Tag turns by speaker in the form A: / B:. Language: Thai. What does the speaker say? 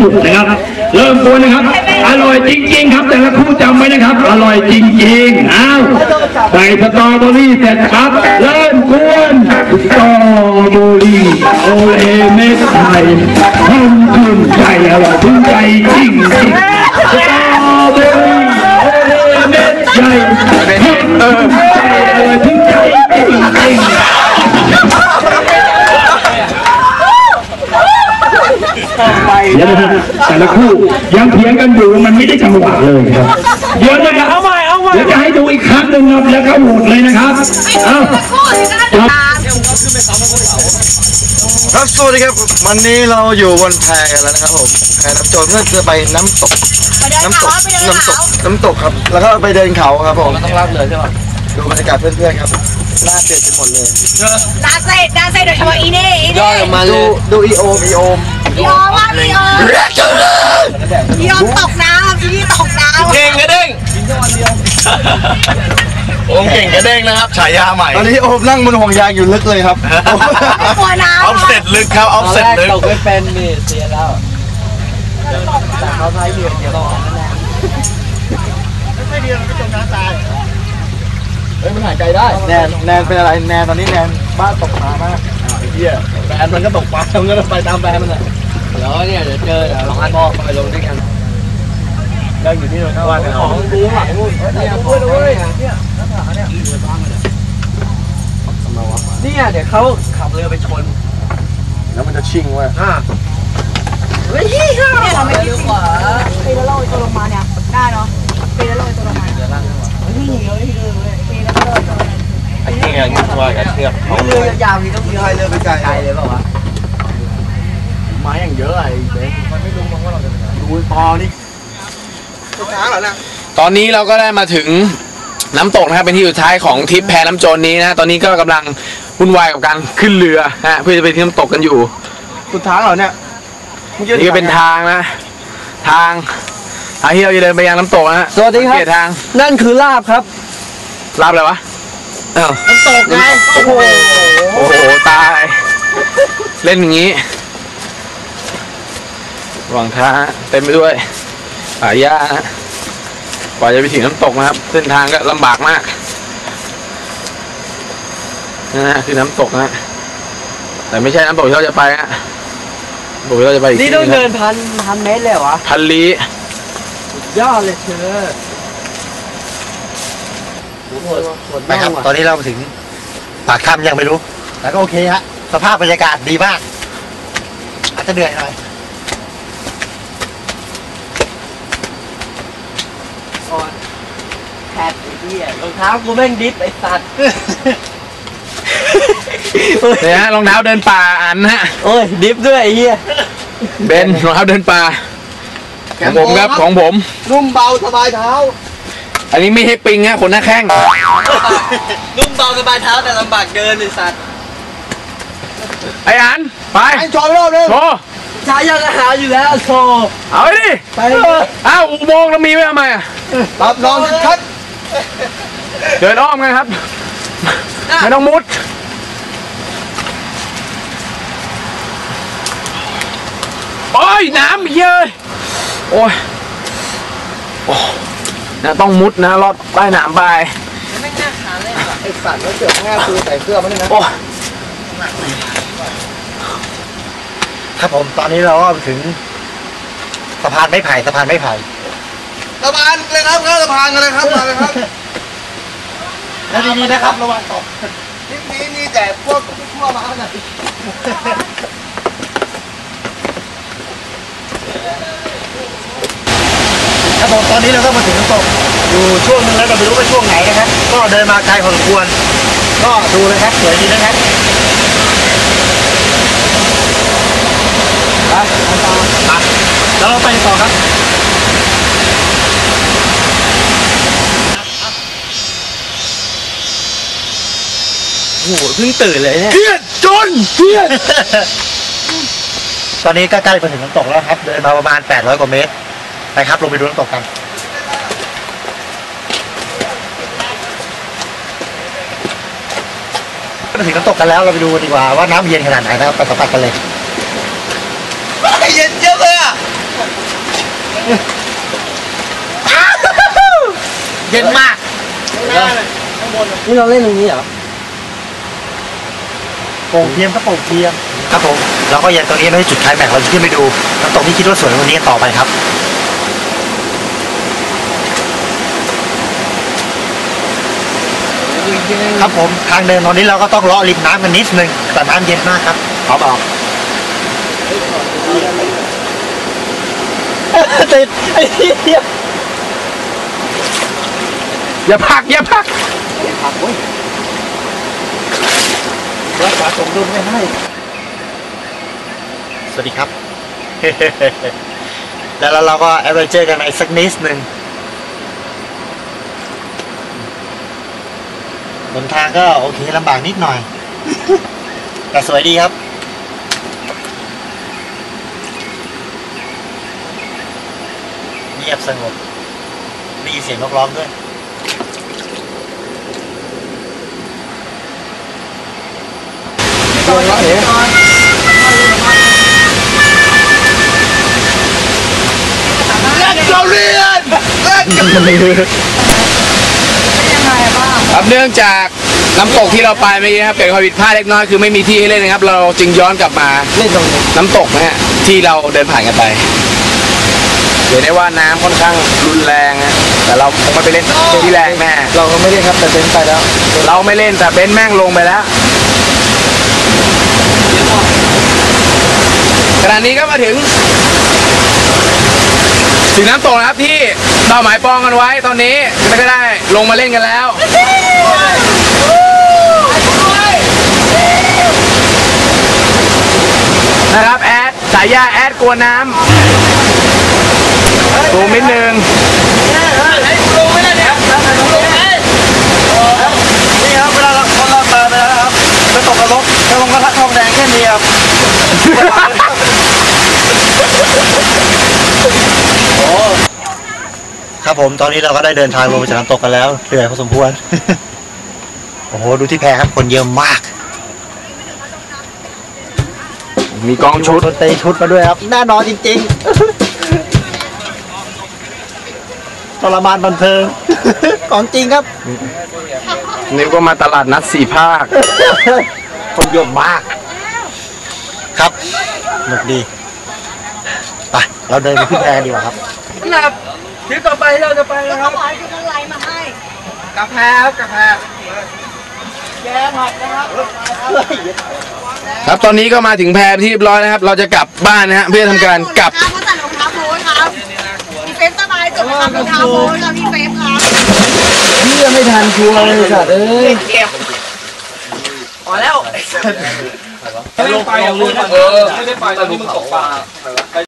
A: สุดนะครับเริ่มกวนนะครับอร่อยจริงๆครับแต่ละคู่จำไว้นะครับอร่อยจริงๆอ้าวใส่สตรอเบอรี่เสร็จครับเริ่มกวนสตรอเบอรี่โอเลเม็ดไทยหอมถึงใจอร่อยถึงใจจริงๆสตรอเบอรี่โอเลเม็ดใหญ่หอมถึงใจอร่อยถึงใจจริงๆเดี๋ยวนะแต่ละคู่ยังเถียงกันอยู่มันไม่ได้จังหวะเลยครับเดี๋ยวนะครับเอาใหม่เดี๋ยวจะให้ดูอีกครั้งหนึ่งครับแล้วก็โหวตเลยนะครับเอา
B: ครับสวัสดีครับวันนี้เราอยู่บนแพกันแล้วนะครับผมแพน้ำโจรเพื่อจะไปน้ำตกครับแล้วก็ไปเดินเขาครับผมต้องรับเลยใช่ไหมดูบรรยากาศเพื่อนๆครับหน้าเปลี่ยนไปหมดเลย
C: น่าเซ่โดยเฉพาะอีนี่
B: ย่อยออกมาเลยดูอีโอม
C: ว่าอีโอมตกน้ำพี่ตกน้ำ
D: เก่งกระเด้งโอมเก่งกระเด้งนะครับฉายาใหม่
B: ตอนนี้โอมนั่งบนห่วงยางอยู่ลึกเลยครับ
C: กลัวน้ำ
D: ออฟเซ็ตลึกครับออฟเซ็ตลึก
E: ตกไม่เป็นนี่เสียแล้วแต่เขาใช้เรือเดียวกันนั่นแหละ
B: ไม่ดีมันไม่จมน้ำตายเฮ้ยมันหายใจได้แนนเป็นอะไรแนนตอนนี้แนนบ้านตกปลามาก
D: ไอ้เหี้ยแบนมันก็ตกปลามันก็ไปตามแบนมันอ่ะ
E: แล้วเนี่ยเดี๋ยวเจอสองอันมองไปลงด้วยกัน
D: นั่งอยู่ที่โน่นว่ากัน
E: ของดูหลังนู่นเนี่ยพูดเลยเนี่ยเดี๋ยวเขาขับเรือไปชน
B: แล้วมันจะชิ่งว่ะ
C: เฮ้ยเนี่ยเราไม่คิดว่าปีละโลตัวลงมาเนี่ยได้เนาะปีละโลตัวลงมา
D: ไอ้เงี้ยงี้ว่ากับเชือก
E: เรือยาวนี่ต้องมี
B: เรือไปไกล
E: เลยเปล่าวะ
D: ไม้อย่างเยอะไอ้เด็ก
B: มันไม่รู้มั้งว่าเราจะ
D: ดูตอนี่
B: ช้างเหรอนะ
F: ตอนนี้เราก็ได้มาถึงน้ำตกนะครับเป็นที่สุดท้ายของทริปแพน้ำโจรนี้นะตอนนี้ก็กำลังวุ่นวายกับการขึ้นเรือนะเพื่อจะไปที่น้ำตกกันอยู่
B: สุดทางเหรอเนี่ย
F: นี่ก็เป็นทางนะทางที่เราจะเดินไปยังน้ำตกนะ
E: สวัสดีครับ
F: ทาง
E: นั่นคือลาบครับ
F: ลาบอะไรวะ
E: น้ำตกไง
F: โอ้โหตายเล่นอย่างนี้ระหว่างทางเต็มไปด้วยป่าหญ้ากว่าจะไปถึงน้ำตกนะครับเส้นทางก็ลำบากมากนะคือน้ำตกนะแต่ไม่ใช่น้ำตกที่เราจะไปนะบอกเราจะไป
E: นี่ต้องเดินพันเมตรเลยวะ
F: พันลี้
E: ยอดเลยเธอ
B: ไปครับตอนนี้เราถึงปากถ้ำยังไม่รู้แต่ก็โอเคฮะสภาพบรรยากาศดีมากอาจจะเหนื่อยหน่อย
E: แพดไอ้เหี้ยรองเท้ากูแม่งดิฟไอ้สัตว์
F: เนี่ยรองเท้าเดินป่าอันฮะ
E: โอ้ยดิฟด้วยไอ้เหี้ย
F: เบนรองเท้าเดินป่าของผมครับของผม
B: นุ่มเบาสบายเท้า
F: อันนี้ไม่ให้ปิงฮะขนหน้าแข้ง
E: นุ่มเบาสบายเท้าแต่ลำบากเดินไอ้สัตว์
F: ไอ้อันไป
B: โชว์รอบนึง
F: โชว์
E: ชายยังหาอยู่แล้วโชว์
F: เอาไปดิ
E: ไป
F: อ้าวอุโมงค์เรามีไว้ทำไมอ่ะ
B: รับรองชัด
F: เดินอ้อมกันครับไม่ต้องมุดโอ้ยน้ำเยอะโอ้ยนะต้องมุดนะลอดใต้น้ำไป
E: ไม่น่าขาเลย
B: ไอ้สัตว์แล้วเสือกง่าคือใส่เสื้อมันนี่นะครับผมตอนนี้เราก็ถึงสะพานไม้ไผ่สะพานเลยครับสะพานกันเลยครับมาเลยครับแล้วดีๆนะครับระวังตกนี่มีแต่พวกทั่วมาขนาดครับผมตอนนี้เราก็มาถึงน้ำตกอยู่ช่วงนึงแล้วเราไม่รู้ว่าช่วงไหนนะครับก็เดินมาไกลพอสมควรก็ดูเลยครับสวยดีนะครับไปแล้วเราไปต่อครับ
E: โอ้โหเพิ่งตื่นเลยเนี่ย
F: เพี้ยนจนเพี้ยน
B: ตอนนี้ก็ใกล้มาถึงน้ำตกแล้วครับเดินมาประมาณ800 กว่าเมตรไปครับลงไปดูน้ำตกกันมาถึงน้ำตกกันแล้วเราไปดูดีกว่าว่าน้ำเย็นขนาดไหนนะครับไปสัมผัสกันเลย
E: เย็นเยอะเลยอ่ะ
B: เย็นมากนี่เราเล่นตรงนี้เหรอโป่งเทียมก็โป่งเทียมครับผมเราก็ยังตรงนี้ไม่ได้จุดไคลแม็กซ์เราจะขึ้นไปดูน้ำตกที่คิดว่าสวยวันนี้กันต่อไปครับครับผมทางเดินตอนนี้เราก็ต้องเลาะริมน้ำกันนิดนึงแต่น้ำเย็นมากครับขอบอกติดไอ้เหี้ย
F: อย่าพักอย่าพัก
B: รักษาสมดุลไม่ให้สวัสดีครับ แล้วเราก็แอดเวนเจอร์กันอีกสักนิดนึงบนทางก็โอเคลำบากนิดหน่อย แต่สวยดีครับเงียบสงบได้ยินเสียงนกร้องด้วย
F: ครับเนื่องจากน้ำตกที่เราไปเมื่อกี้นะครับเกิดความผิดพลาดเล็กน้อยคือไม่มีที่ให้เล่นนะครับ เราจึงย้อนกลับมาเล่นตรงน้ำตกนะฮะที่เราเดินผ่านกันไปเห็นได้ว่าน้ำค่อนข้างรุนแรงนะแต่เราคงไม่ไปเล่นที่แรงแน่เราก็ไม่เล่นครับแต่เบนไปแล้วเราไม่เล่นแต่เบนแม่งลงไปแล้วขณะนี้ก็มาถึงน้ำตกนะครับที่เราหมายปองกันไว้ตอนนี้ไม่ได้ลงมาเล่นกันแล้วนะครับแอดสายยาแอดกลัวน้ำสูงนิดนึง
B: นี่ครับเวลาเราคนเราเติมไปแล้วครับจะตกนรกจะลงกระทะทองแดงแค่นี้ครับครับผมตอนนี้เราก็ได้เดินทางลงไปจากน้ำตกกันแล้วเหนื่อยพอสมควร โอ้โหดูที่แพครับคนเยอะมาก
F: มีกองชุด
B: เตะชุดมาด้วยครับแน่นอนจริงๆทรมานบันเทิง ของจริงครับ
F: นี่ก็มาตลาดนัด4 ภาค
B: คนเยอะมากครับสนุกดีไปเราเดินไปขึ้นแพดีกว่าครับ
E: นะครับทริปต่อไปที่เราจะไปนะครับ
C: ขอให้คุณอะไรมาให้
E: กาแฟครับกาแฟแกผัดนะครับ
F: ครับตอนนี้ก็มาถึงแพที่เรียบร้อยนะครับเราจะกลับบ้านนะฮะเพื่อทำการกลับ
C: เขาใส่รองเท้าโบ๊ทครับมีเฟซสบายจุดนะครับรองเท้าโบ๊ทครับมีเฟซครับ
B: พี่ยังไม่ทันชัวร์เลยสัตว์เอ้ย
E: พอแล้ว
D: ไม่ได้ไปอ่ะมึงไม่ได้ไปตอนนี้มึงตกปลา